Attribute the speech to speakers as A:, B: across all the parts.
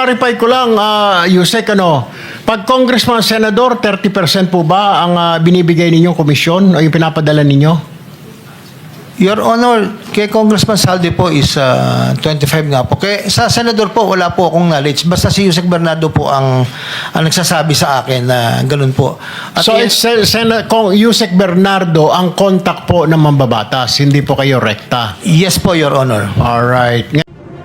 A: clarify ko lang, Yusek, pag congressman, senador, 30% po ba ang binibigay ninyong komisyon o yung pinapadala ninyo?
B: Your Honor, kay Congressman Saldi po is 25 nga po. Kay sa Senador po, wala po akong knowledge. Basta si Yusek Bernardo po ang nagsasabi sa akin na ganun po. At
A: So, it's Yusek Bernardo ang contact po ng mambabatas, hindi po kayo rekta.
B: yes po, Your Honor.
A: Alright.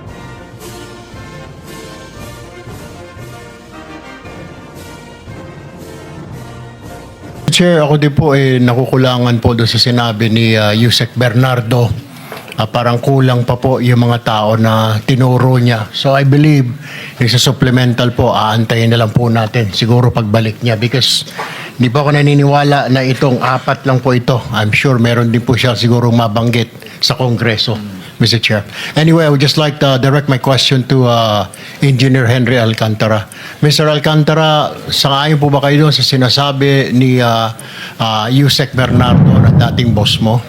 A: Chair, ako din po nakukulangan po doon sa sinabi ni Yusek Bernardo. Parang kulang pa po yung mga tao na tinuro niya. So I believe, sa supplemental po, aantayin na lang po natin siguro pagbalik niya because hindi pa ako naniniwala na itong 4 lang po ito. I'm sure meron din po siya siguro mabanggit sa Kongreso, Mr. Chair. Anyway, I would just like to direct my question to Engineer Henry Alcantara. Mr. Alcantara, sangayon po ba kayo doon sa sinasabi ni Yusek Bernardo na dating boss mo?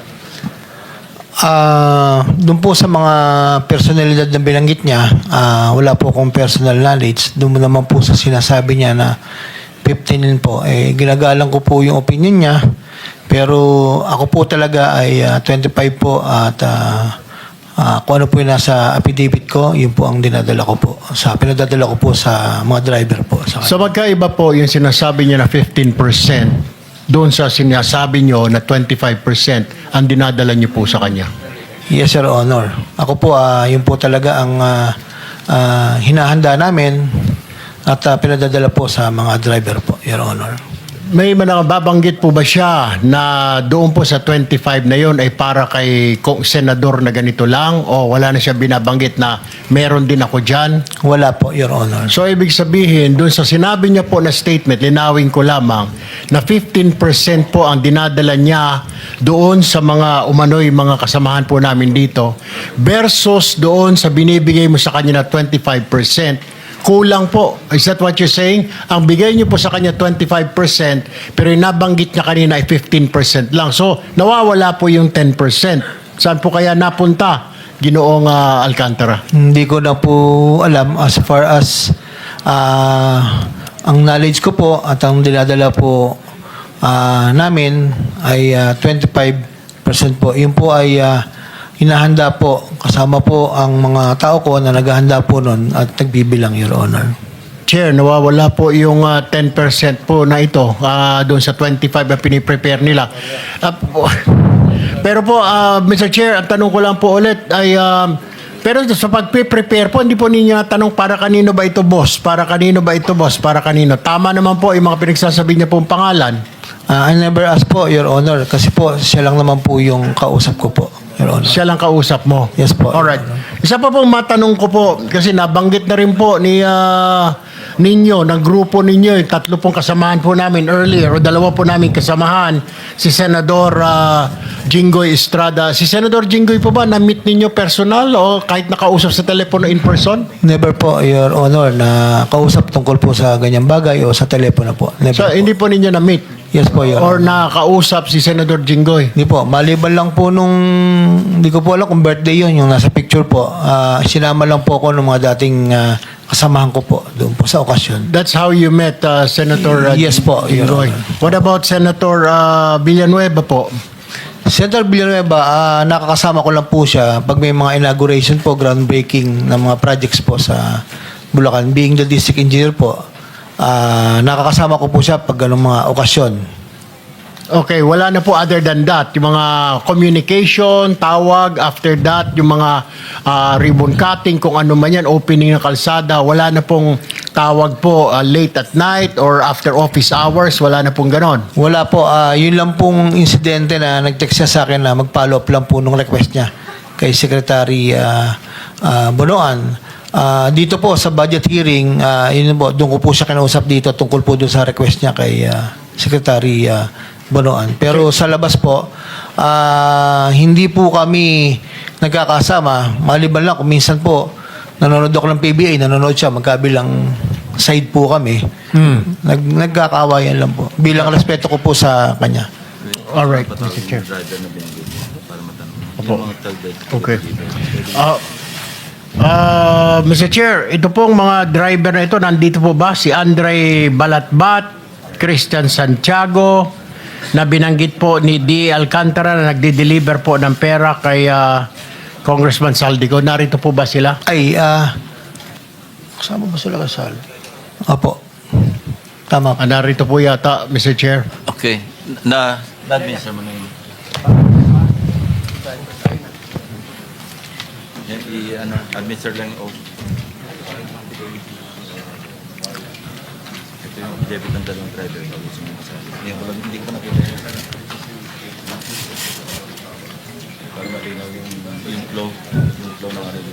B: Doon po sa mga personalidad na binanggit niya, wala po akong personal knowledge. Doon naman po sa sinasabi niya na 15 po, ginagalang ko po yung opinion niya. Pero ako po talaga ay 25 po at kung ano po yung nasa affidavit ko, yun po ang dinadala ko po. Pinadadala ko po sa mga driver po.
A: So magkaiba po yung sinasabi niya na 15%. Doon sa sinasabi nyo na 25% ang dinadala nyo po sa kanya.
B: Yes, Your Honor. Ako po, yun po talaga ang hinahanda namin at pinadadala po sa mga driver po, Your Honor.
A: May babanggit po ba siya na doon po sa 25 na yon ay para kay senador na ganito lang o wala na siya binabanggit na meron din ako dyan?
B: Wala po, Your Honor.
A: So, ibig sabihin, doon sa sinabi niya po na statement, linawin ko lamang, na 15% po ang dinadala niya doon sa mga umano'y mga kasamahan po namin dito versus doon sa binibigay mo sa kanya na 25%. Kulang po. Is that what you're saying? Ang bigay niyo po sa kanya 25%, pero yung nabanggit niya kanina ay 15% lang. So, nawawala po yung 10%. Saan po kaya napunta, Ginoong Alcantara?
B: Hindi ko na po alam as far as ang knowledge ko po at ang dinadala po namin ay 25% po. Yun po ay hinahanda po, kasama po ang mga tao ko na naghahanda po nun at nagbibilang, Your Honor.
A: Chair, nawawala po yung 10% po na ito doon sa 25 na piniprepare nila. Pero po, Mr. Chair, ang tanong ko lang po ulit ay, pero sa pag-prepare po, hindi po ninyo tanong para kanino ba ito boss? Para kanino ba ito boss? Para kanino? Tama naman po yung mga pinagsasabi niya pong pangalan.
B: I never asked po, Your Honor, kasi po siya lang naman po yung kausap ko po, Your Honor.
A: Siya lang kausap mo?
B: Yes po.
A: Alright. Isa pa pong matanong ko po, kasi nabanggit na rin po ni ninyo, ng grupo ninyo, 3 pong kasamahan po namin earlier, o 2 po namin kasamahan, si Senador Jinggoy Estrada. Si Senador Jinggoy po ba, na-meet ninyo personal o kahit nakausap sa telepono in person?
B: Never po, Your Honor, na kausap tungkol po sa ganyang bagay o sa telepono po. Never
A: So,
B: po.
A: hindi po ninyo na-meet?
B: Yes po, Your
A: Or
B: Honor.
A: nakausap si Senador Jinggoy?
B: Hindi po, maliban lang po nung, hindi ko po alam kung birthday yun, yung nasa picture po. Sinama lang po ako ng mga dating kasamahan ko po doon po sa okasyon.
A: That's how you met Senator
B: Yes po, Your
A: Jinggoy.
B: Honor.
A: What about Senator Villanueva po?
B: Senator Villanueva, nakakasama ko lang po siya pag may mga inauguration po, groundbreaking ng mga projects po sa Bulacan. Being the district engineer po, nakakasama ko po siya pag ganung mga okasyon.
A: Okay, wala na po other than that. Yung mga communication, tawag, after that, yung mga ribbon cutting, kung ano man yan, opening ng kalsada, wala na pong tawag po late at night or after office hours, wala na pong ganon.
B: Wala po, yun lang pong insidente na nag-text siya sa akin na mag-follow up lang po nung request niya kay Secretary Bonoan. Dito po sa budget hearing, yun po, doon ko po siya kinausap dito tungkol po doon sa request niya kay Secretary Bonoan. Pero sa labas po, hindi po kami nagkakasama. Maliban lang kung minsan po, nanonood ako ng PBA, nanonood siya, magkabilang side po kami. Nagkakawayan lang po. Bilang respeto ko po sa kanya.
A: Alright, Mr. Chair. Opo. Okay. Mr. Chair, ito pong mga driver na ito, nandito po ba? Si Andre Balatbat, Christian Santiago, na binanggit po ni D. Alcantara na nagde-deliver po ng pera kay Congressman Saldico. Narito po ba sila?
B: Ay, kasama ba sila kasal? Opo. Tama.
A: Narito po yata, Mr. Chair.
C: Okay. Na-administer mo na yun. Yan, administer lang yung oath. Ito yung debit ng dalawang driver. Yan, hindi ko pa nakita yun. Para malinaw yung flow. Yung flow ng ano yun.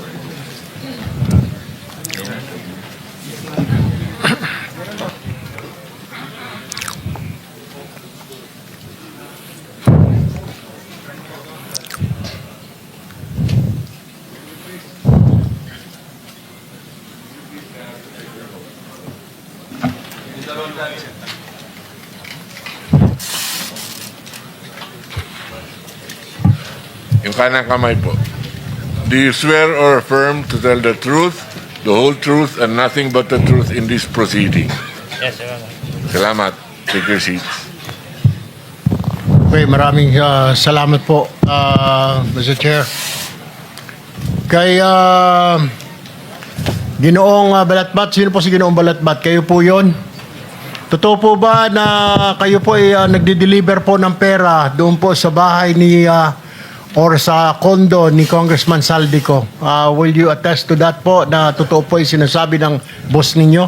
D: Yung kanang kamay po. Do you swear or affirm to tell the truth, the whole truth, and nothing but the truth in this proceeding?
E: Yes, Your Honor.
D: Salamat. Take your seats.
A: Okay, maraming salamat po, Mr. Chair. Kay Ginoong Balatbat, sino po si Ginoong Balatbat? Kayo po yon? Totoo po ba na kayo po ay nagde-deliver po ng pera doon po sa bahay ni or sa condo ni Congressman Saldico? Will you attest to that po na totoo po yung sinasabi ng boss ninyo?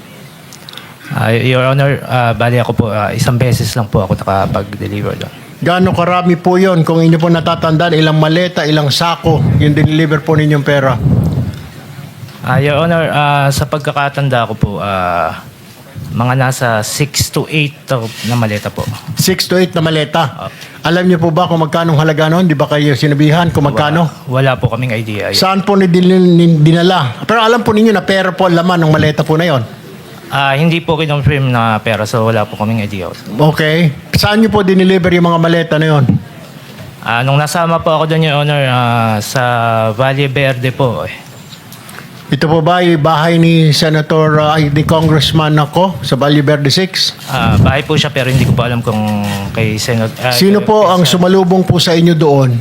E: Your Honor, bali ako po, isang beses lang po ako nakapag-deliver doon.
A: Gaano karami po yon kung inyo po natatandaan, ilang maleta, ilang sako yung deliver po ninyong pera?
E: Your Honor, sa pagkakatanda ko po, mga nasa 6 to 8 na maleta po.
A: 6 to 8 na maleta. Alam niyo po ba kung magkano halaga noon? Di ba kayo sinabihan kung magkano?
E: Wala po kaming idea.
A: Saan po dinala? Pero alam po ninyo na pera po ang laman ng maleta po na yon.
E: Hindi po kinonfirm na pera, so wala po kaming idea.
A: Okay. Saan niyo po dineliver yung mga maleta na yon?
E: Nung nasama po ako doon, Your Honor, sa Valle Verde po.
A: Ito po ba yung bahay ni ni Congressman ako sa Valle Verde 6?
E: Bahay po siya pero hindi ko pa alam kung kay Senator.
A: Sino po ang sumalubong po sa inyo doon?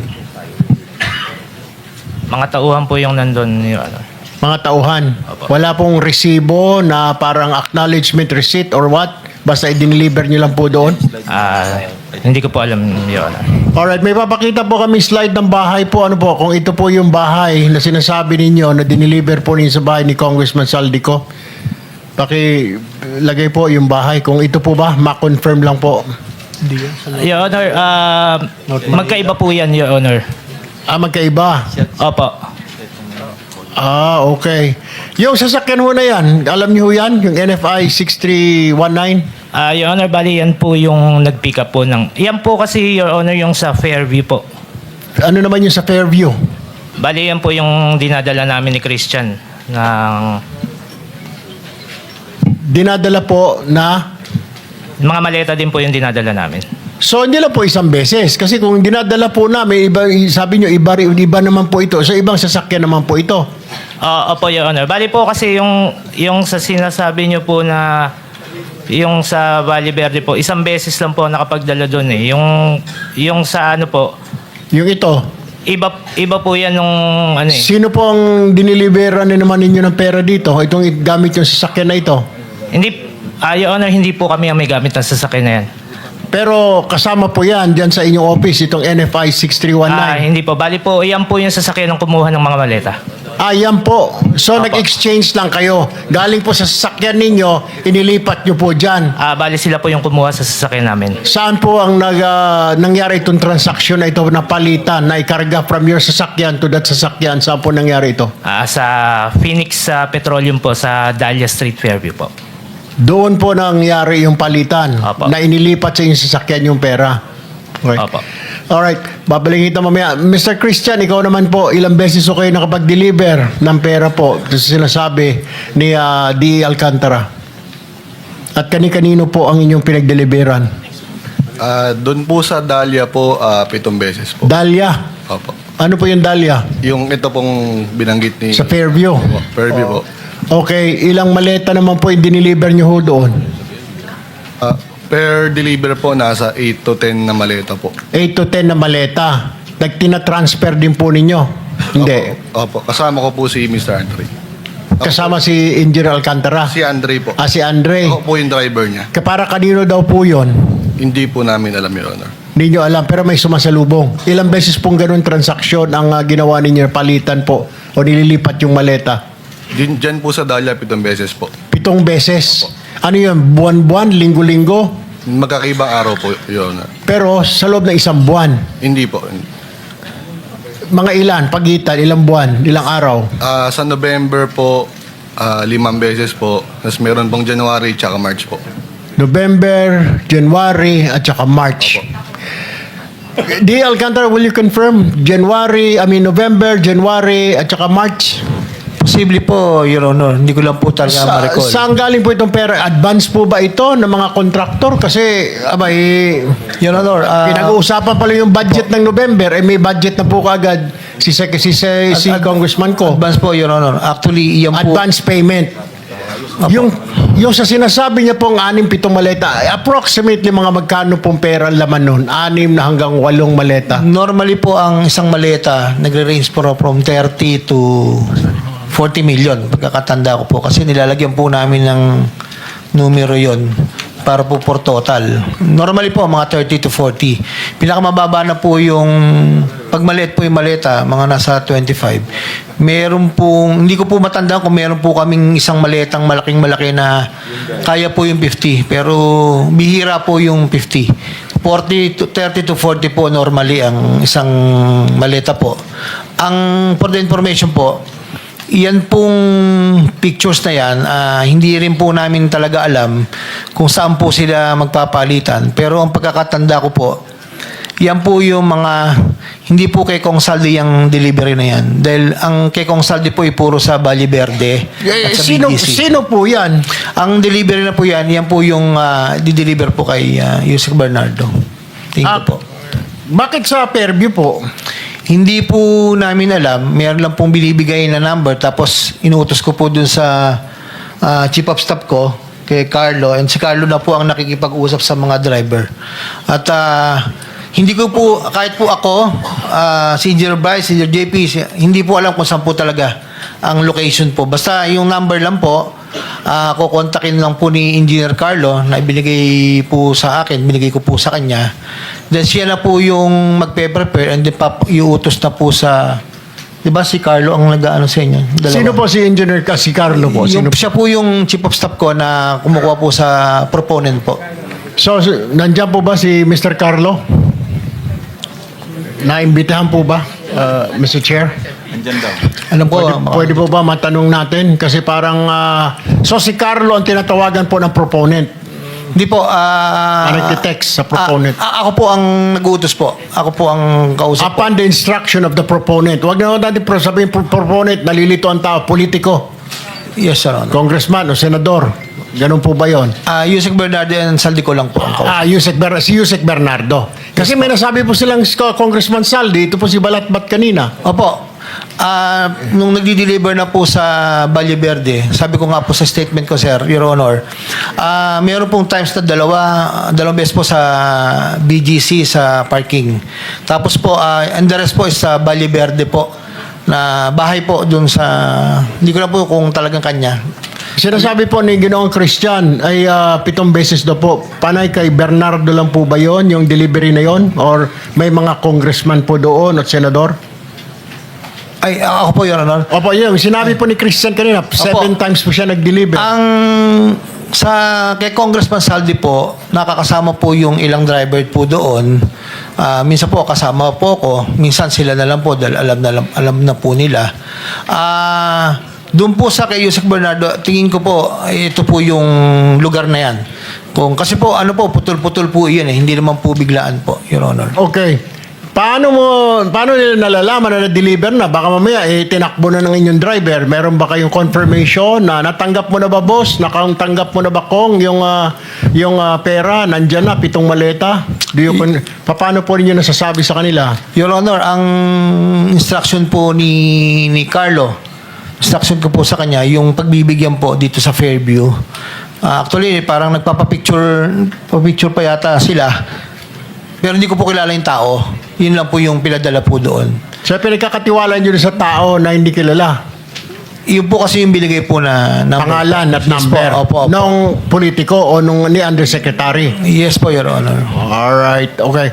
E: Mga tauhan po yung nandun, Your Honor.
A: Mga tauhan.
E: Opo.
A: Wala pong resibo na parang acknowledgement receipt or what? Basta i-deliver nyo lang po doon?
E: Hindi ko po alam, Your Honor.
A: Alright, may papakita po kami slide ng bahay po. Ano po, kung ito po yung bahay na sinasabi ninyo na dineliver po ninyo sa bahay ni Congressman Saldico, pakilagay po yung bahay. Kung ito po ba, ma-confirm lang po.
E: Your Honor, magkaiba po yan, Your Honor.
A: Magkaiba.
E: Opo.
A: Okay. Yung sasakyan ho na yan, alam niyo ho yan? Yung NFI 6319?
E: Your Honor, bali yan po yung nag-pick up po ng... Yan po kasi, Your Honor, yung sa Fairview po.
A: Ano naman yung sa Fairview?
E: Bali yan po yung dinadala namin ni Christian ng...
A: Dinadala po na...
E: Mga maleta din po yung dinadala namin.
A: So, hindi lang po isang beses. Kasi kung dinadala po namin, iba, sabi nyo, iba naman po ito. So, ibang sasakyan naman po ito.
E: Opo, Your Honor. Bali po kasi yung sa sinasabi nyo po na yung sa Valle Verde po, isang beses lang po nakapagdala doon eh. Yung sa ano po,
A: Yung ito.
E: iba po yan nung ano eh.
A: Sino po ang diniliberan na naman ninyo ng pera dito? Itong gamit yung sasakyan na ito.
E: Hindi, Your Honor, hindi po kami ang may gamit ng sasakyan na yan.
A: Pero kasama po yan dyan sa inyong office, itong NFI 6319.
E: Hindi po. Bali po, yan po yung sasakyan ng kumuha ng mga maleta.
A: Yan po. So,
E: Apo.
A: nag-exchange lang kayo. Galing po sa sasakyan ninyo, inilipat nyo po dyan.
E: Bali sila po yung kumuha sa sasakyan namin.
A: Saan po ang nangyari itong transaction na ito na palitan, na ikarga from your sasakyan to that sasakyan? Saan po nangyari ito?
E: Sa Phoenix Petroleum po, sa Dahlia Street, Fairview po.
A: Doon po nangyari yung palitan
E: Apo.
A: na inilipat sa inyong sasakyan yung pera. Okay.
E: Opo.
A: Alright, babalik kita mamaya. Mr. Christian, ikaw naman po, ilang beses ko kayo nakapag-deliver ng pera po sa sinasabi ni D. Alcantara? At kani-kanino po ang inyong pinag-deliveran?
F: Doon po sa Dahlia po, 7 beses po.
A: Dahlia.
F: Opo.
A: Ano po yung Dahlia?
C: Yung ito pong binanggit ni
A: Sa Fairview.
C: Fairview po.
A: Okay, ilang maleta naman po yung diniliver nyo ho doon?
C: Per deliver po, nasa 8 to 10 na maleta po.
A: 8 to 10 na maleta. Nagtina-transfer din po ninyo? Hindi.
C: Opo. Kasama ko po si Mr. Andre.
A: Kasama si Engineer Alcantara?
C: Si Andre po.
A: Si Andre.
C: Ako po yung driver niya.
A: Para kanino daw po yun?
C: Hindi po namin alam, Your Honor.
A: Hindi nyo alam, pero may sumasalubong. Ilang beses pong ganun transaksyon ang ginawa ninyo, palitan po, o nililipat yung maleta?
C: Diyan po sa Dahlia, 7 beses po.
A: 7 beses. Ano yun? Buwan-buwan? Linggo-linggo?
C: Magkakaibang araw po, Your Honor.
A: Pero sa loob ng isang buwan.
C: Hindi po.
A: Mga ilan? Pagitan? Ilang buwan? Ilang araw?
C: Sa November po, 5 beses po. Tapos meron pong January tsaka March po.
A: November, January, at saka March. D. Alcantara, will you confirm? November, January, at saka March?
B: Posible po, Your Honor. Hindi ko lang po talaga ma-recall.
A: Saan galing po itong pera? Advance po ba ito ng mga kontraktor? Kasi,
B: Your Honor,
A: pinag-uusapan pala yung budget ng November, may budget na po kaagad si Congressman ko.
B: advance po, Your Honor. Actually, iyan po.
A: Advance payment. Yung sa sinasabi niya pong 6-7 maleta, approximately mga magkano pong pera ang laman nun? 6 na hanggang 8 maleta.
B: Normally po, ang isang maleta, nagre-range po from 30 to 40 million. Pagkakatanda ko po. Kasi nilalagyan po namin ng numero yon para po for total. Normally po, mga 30 to 40. Pinakamababa na po yung, pag maliit po yung maleta, mga nasa 25. Meron pong, hindi ko po matandaan kung meron po kaming isang maletang malaking-malaki na kaya po yung 50. Pero bihira po yung 50. 30 to 40 po normally ang isang maleta po. Ang, for the information po, yan pong pictures na yan, hindi rin po namin talaga alam kung saan po sila magpapalitan. Pero ang pagkakatanda ko po, yan po yung mga, hindi po kay Kong Saldi yung delivery na yan. Dahil ang kay Kong Saldi po ay puro sa Valle Verde at sa BGC.
A: Sino po yan?
B: Ang delivery na po yan po yung di-deliver po kay Yusek Bernardo. Thank you po.
A: Bakit sa Fairview po?
B: Hindi po namin alam. Meron lang pong binibigay na number. Tapos, inuutos ko po dun sa chief of staff ko, kay Carlo. And si Carlo na po ang nakikipag-usap sa mga driver. At hindi ko po, kahit po ako, si Engineer Bryce, si Engineer JP, hindi po alam kung saan po talaga ang location po. Basta yung number lang po, kukontakin lang po ni Engineer Carlo na ibinigay po sa akin, binigay ko po sa kanya. Then siya na po yung magpe-prepare and then iuutos na po sa, di ba si Carlo ang nag-ano sa inyo? Dalawa.
A: Sino po si Engineer si Carlo po? Sino?
B: Siya po yung chief of staff ko na kumukuha po sa proponent po.
A: So, nandiyan po ba si Mr. Carlo? Naimbitahan po ba, Mr. Chair?
C: Andyan daw.
B: Alam ko,
A: Pwede po ba matanong natin? Kasi parang, so si Carlo ang tinatawagan po ng proponent.
B: Hindi po.
A: Nagtitext sa proponent.
B: Ako po ang nag-uutos po. Ako po ang kausap po.
A: Upon the instruction of the proponent. Huwag na natin sabihin proponent, nalilito ang tao, politiko,
B: Yes, Sir Honor.
A: congressman o senador. Ganun po ba yun?
B: Yusek Bernardo and Saldi ko lang po ang kausap.
A: Si Yusek Bernardo. Kasi may nasabi po silang Congressman Saldi, ito po si Balatbat kanina.
B: Opo. Nung nagdi-deliver na po sa Valle Verde, sabi ko nga po sa statement ko, Sir, Your Honor, meron pong times na dalawang beses po sa BGC sa parking. Tapos po, and the rest po is sa Valle Verde po, na bahay po dun sa, hindi ko na po kung talagang kanya.
A: Sinasabi po ni Ginoong Christian ay 7 beses daw po. Panay kay Bernardo lang po ba yon yung delivery na yon? Or may mga congressman po doon at senador?
B: Ay, ako po, Your Honor.
A: Opo, yun. Sinabi po ni Christian kanina, 7 times po siya nag-deliver.
B: Ang kay Congressman Saldi po, nakakasama po yung ilang driver po doon. Minsan po kasama po ko, minsan sila na lang po dahil alam na po nila. Doon po sa kay Yusek Bernardo, tingin ko po ito po yung lugar na yan. Kasi po putol-putol po 'yun hindi naman po biglaan po, Your Honor.
A: Okay. Paano nila nalalaman na na-deliver na? Baka mamaya, tinakbo na ng inyong driver. Meron ba kayong confirmation na natanggap mo na ba, boss? Nakatanggap mo na ba, Kong, yung pera? Nandyan na, 7 maleta? Paano po ninyo nasasabi sa kanila?
B: Your Honor, ang instruction po ni Carlo, instruction ko po sa kanya, yung pagbibigyan po dito sa Fairview. Actually, parang nagpapapicture pa yata sila. Pero hindi ko po kilala yung tao. Yun lang po yung pinadala po doon.
A: So, pinagkakatiwala nyo sa tao na hindi kilala?
B: Yun po kasi yung binigay po na number.
A: Pangalan at
B: Yes
A: number?
B: po, opo.
A: Nung politiko o nung ni undersecretary?
B: Yes po, Your Honor.
A: Alright, okay.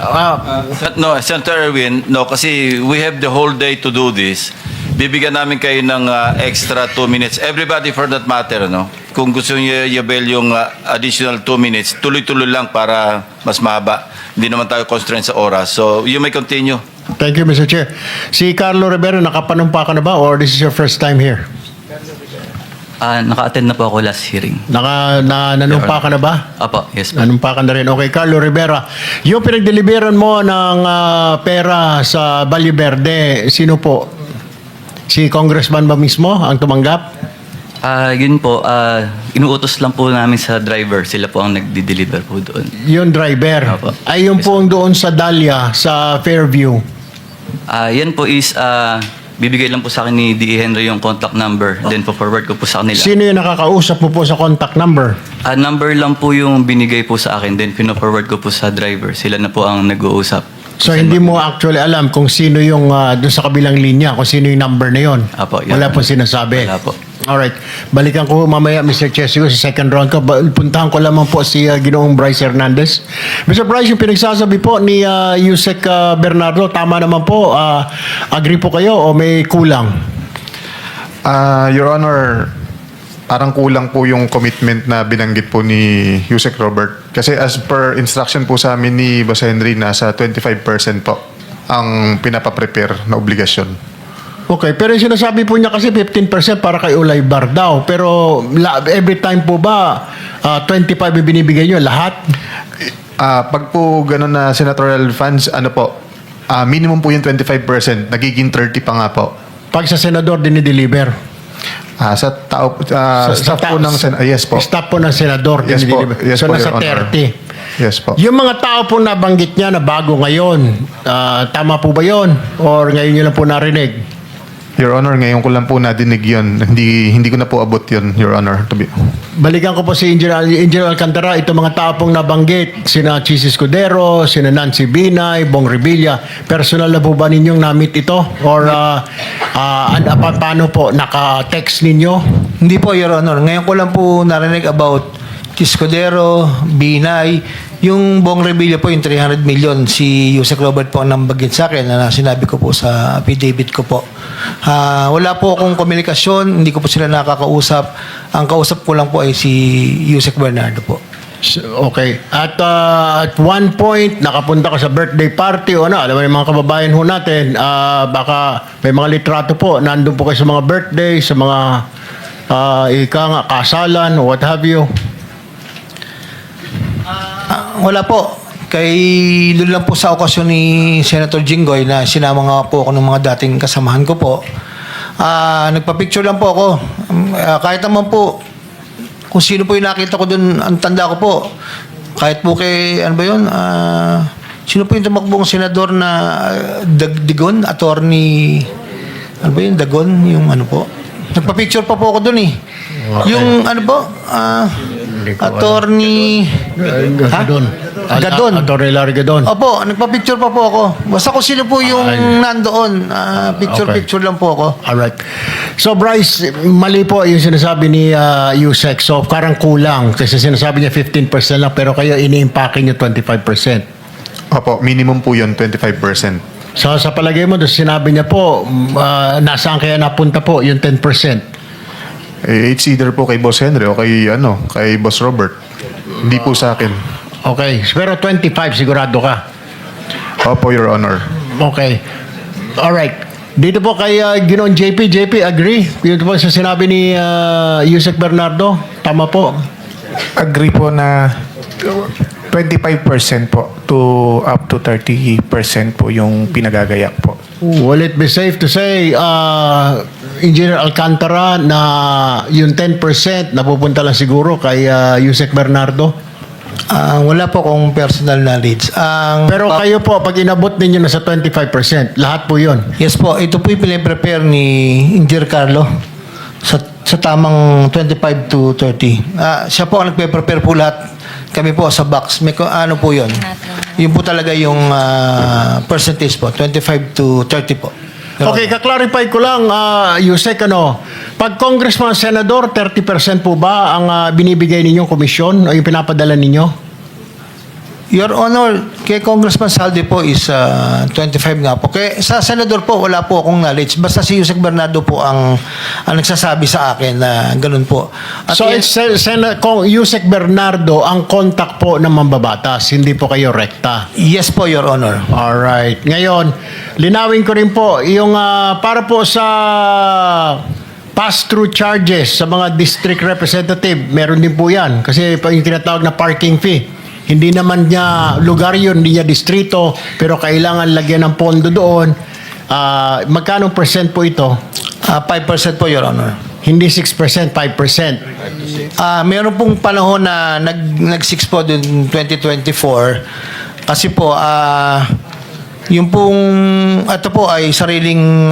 F: No, Senator Erwin, no, kasi we have the whole day to do this. Bibigyan namin kayo ng extra 2 minutes. Everybody for that matter, no? Kung gusto niyo i-avail yung additional 2 minutes, tuloy-tuloy lang para mas mahaba. Hindi naman tayo constrained sa oras. So, you may continue.
A: Thank you, Mr. Chair. Si Carlo Rivera, nakapanumpa ka na ba or this is your first time here?
G: Naka-attend na po ako last hearing.
A: Nanumpa ka na ba?
G: Apo, yes po.
A: Nanumpa ka na rin. Okay, Carlo Rivera. Yung pinagdeliveran mo ng pera sa Valle Verde, sino po? Si Congressman ba mismo ang tumanggap?
G: Yun po, inuutos lang po namin sa driver. Sila po ang nagdi-deliver po doon.
A: Yung driver.
G: Opo.
A: Ay, yung
G: Yes,
A: po doon sa Dahlia, sa Fairview.
G: Yan po is, bibigay lang po sa akin ni D.E. Henry yung contact number. Then po forward ko po sa kanila.
A: Sino yung nakakausap mo po sa contact number?
G: Number lang po yung binigay po sa akin. Then pino-forward ko po sa driver. Sila na po ang nag-uusap.
A: So, hindi mo actually alam kung sino yung doon sa kabilang linya, kung sino yung number na yon.
G: Apo, yun.
A: Wala po sinasabi.
G: Wala po.
A: Alright. Balikan ko mamaya, Mr. Chesico, sa second round ko. Puntahan ko lamang po si Ginoong Bryce Hernandez. Mr. Bryce, yung pinagsasabi po ni Yusek Bernardo, tama naman po. Agree po kayo o may kulang?
H: Your Honor, parang kulang po yung commitment na binanggit po ni Yusek Robert. Kasi as per instruction po sa amin ni Boss Henry, nasa 25% po ang pinapaprepare na obligasyon.
A: Okay, pero yung sinasabi po niya kasi 15% para kay Ulay Bar daw. Pero every time po ba 25 yung binibigay niyo lahat?
H: Pag po ganun na senatorial funds, ano po, minimum po yung 25%, nagiging 30 pa nga po.
A: Pag sa senador dinideliver?
H: Sa tao, staff po ng yes po.
A: Staff po ng senador
H: Yes po.
A: dinideliver.
H: Yes
A: So
H: po,
A: nasa
H: Your Honor.
A: 30.
H: Yes po.
A: Yung mga tao po nabanggit niya na bago ngayon, tama po ba yun? Or ngayon niyo lang po narinig?
H: Your Honor, ngayon ko lang po nadinig yun. Hindi ko na po abot yun, Your Honor.
A: Balikan ko po si Engineer Alcantara, itong mga tao pong nabanggit, sina Chis Escudero, sina Nancy Binay, Bong Revilla, personal na po ba ninyong na-meet ito? Or paano po, naka-text ninyo?
B: Hindi po, Your Honor. Ngayon ko lang po narinig about Tiscodero, Binay, yung Bong Revilla po, yung 300 million, si Yusek Robert po ang nambagit sa akin na sinabi ko po sa affidavit ko po. Wala po akong komunikasyon, hindi ko po sila nakakausap. Ang kausap ko lang po ay si Yusek Bernardo po.
A: Okay. At one point, nakapunta ka sa birthday party o ano, alam mo yung mga kababayan ho natin, baka may mga litrato po, nandun po kayo sa mga birthday, sa mga kasalan, what have you.
B: Wala po. Doon lang po sa okasyon ni Senator Jinggoy na sinama nga po ako ng mga dating kasamahan ko po. Nagpa-picture lang po ako. Kahit naman po, kung sino po yung nakita ko doon, ang tanda ko po. Kahit po kay, ano ba yun? Sino po yung tumakbong senador na Dagon? Attorney, ano ba yun? Dagon? Yung ano po? Nagpa-picture pa po ako doon eh.
A: Okay.
B: Yung ano po? Attorney...
A: Gadon.
B: Gadon.
A: Attorney Larry Gadon.
B: Opo, nagpa-picture pa po ako. Basta kung sino po yung nandoon, picture-picture lang po ako.
A: Alright. So Bryce, mali po yung sinasabi ni Yusek. So parang kulang kasi sinasabi niya 15% lang pero kayo ini-impake niyo 25%.
H: Opo, minimum po yun, 25%.
A: So sa palagay mo, doon sinabi niya po, nasaan kaya napunta po yung 10%?
H: It's either po kay Boss Henry o kay Boss Robert. Hindi po sa akin.
A: Okay. Pero 25 sigurado ka?
H: Opo, Your Honor.
A: Okay. Alright. Dito po kay Ginoong JP. JP, agree? Yun po sa sinabi ni Yusek Bernardo. Tama po.
I: Agree po na 25% po to up to 30% po yung pinagagayak po.
A: Will it be safe to say, Engineer Alcantara, na yung 10% napupunta lang siguro kay Yusek Bernardo?
B: Wala po akong personal knowledge.
A: Pero kayo po, pag inabot ninyo na sa 25%, lahat po yun.
B: Yes po, ito po yung pinaprepare ni Engineer Carlo sa tamang 25 to 30. Siya po ang nagpe-prepare po lahat. Kami po sa box. May ano po yun? Yun po talaga yung percentage po, 25 to 30 po.
A: Okay, kaklarify ko lang, Yusek, pag congressman, senador, 30% po ba ang binibigay ninyong komisyon o yung pinapadala ninyo?
B: Your Honor, kay Congressman Saldi po is 25 nga po. Kaya sa senador po, wala po akong knowledge. Basta si Yusek Bernardo po ang nagsasabi sa akin na ganun po. At
A: So, it's Yusek Bernardo ang contact po ng mambabatas, hindi po kayo rekta.
B: yes po, Your Honor.
A: Alright. Ngayon, linawin ko rin po, yung para po sa pass-through charges sa mga district representative, meron din po yan. Kasi yung tinatawag na parking fee. Hindi naman niya lugar yun, hindi niya distrito, pero kailangan lagyan ng pondo doon. Magkano percent po ito?
B: 5% po, Your Honor.
A: Hindi 6%, 5%.
B: Meron pong panahon na nag-6 po dun 2024 kasi po yung pong ito po ay sariling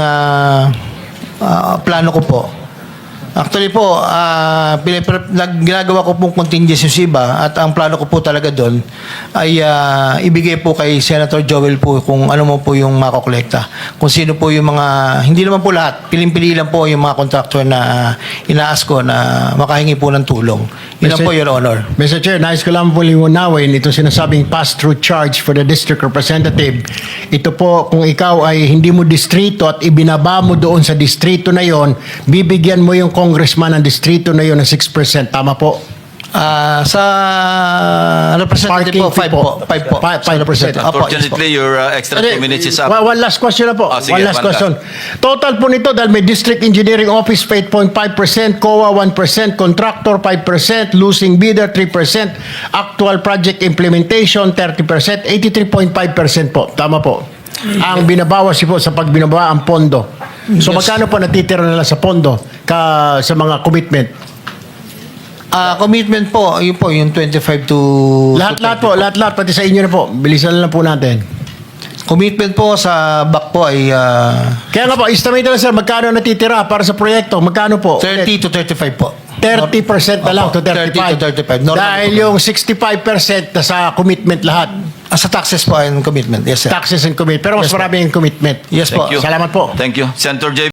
B: plano ko po. Actually po, ginagawa ko pong contingency sa iba at ang plano ko po talaga doon ay ibigay po kay Senator Joel po kung ano mo po yung makokolekta. Kung sino po yung mga, hindi naman po lahat, piling-pili lang po yung mga contractor na inaas ko na makahingi po ng tulong. Yun lang po, Your Honor.
A: Mr. Chair, nais ko lang po liwanawin itong sinasabing pass-through charge for the district representative. Ito po, kung ikaw ay hindi mo distrito at ibinaba mo doon sa distrito na yon, bibigyan mo yung congressman ng distrito na yon ng 6%. Tama po?
B: Sa representative po, 5 po. 5 po.
A: 5%.
B: Opo, yes po.
F: Unfortunately, your extra 2 minutes is up.
A: One last question na po.
F: Sige,
A: one last
F: one
A: question. Total po nito dahil may District Engineering Office 8.5%, COA 1%, Contractor 5%, Losing Bidder 3%, Actual Project Implementation 30%, 83.5% po. Tama po. Ang binabawas po sa pagbinaba ang pondo. So
B: Yes.
A: magkano po natitira nila sa pondo sa mga commitment?
B: Commitment po, yun po, yung 25 to...
A: Lahat-lahat po, lahat-lahat, pati sa inyo na po. Bilisan na lang po natin.
B: Commitment po sa back po ay
A: Kaya nga po, estimate na lang sir, magkano natitira para sa proyekto? Magkano po?
B: 30 to 35 po.
A: 30% na lang to
B: Opo,
A: 35.
B: 30 to 35. Normal
A: Dahil
B: po.
A: yung 65% na sa commitment lahat.
B: Sa taxes po and commitment. Yes, sir.
A: Taxes and commitment. Pero mas
B: Yes, po.
A: marami yung commitment.
B: Yes po.
F: Thank you.
A: Salamat po.
F: Thank you. Senator J.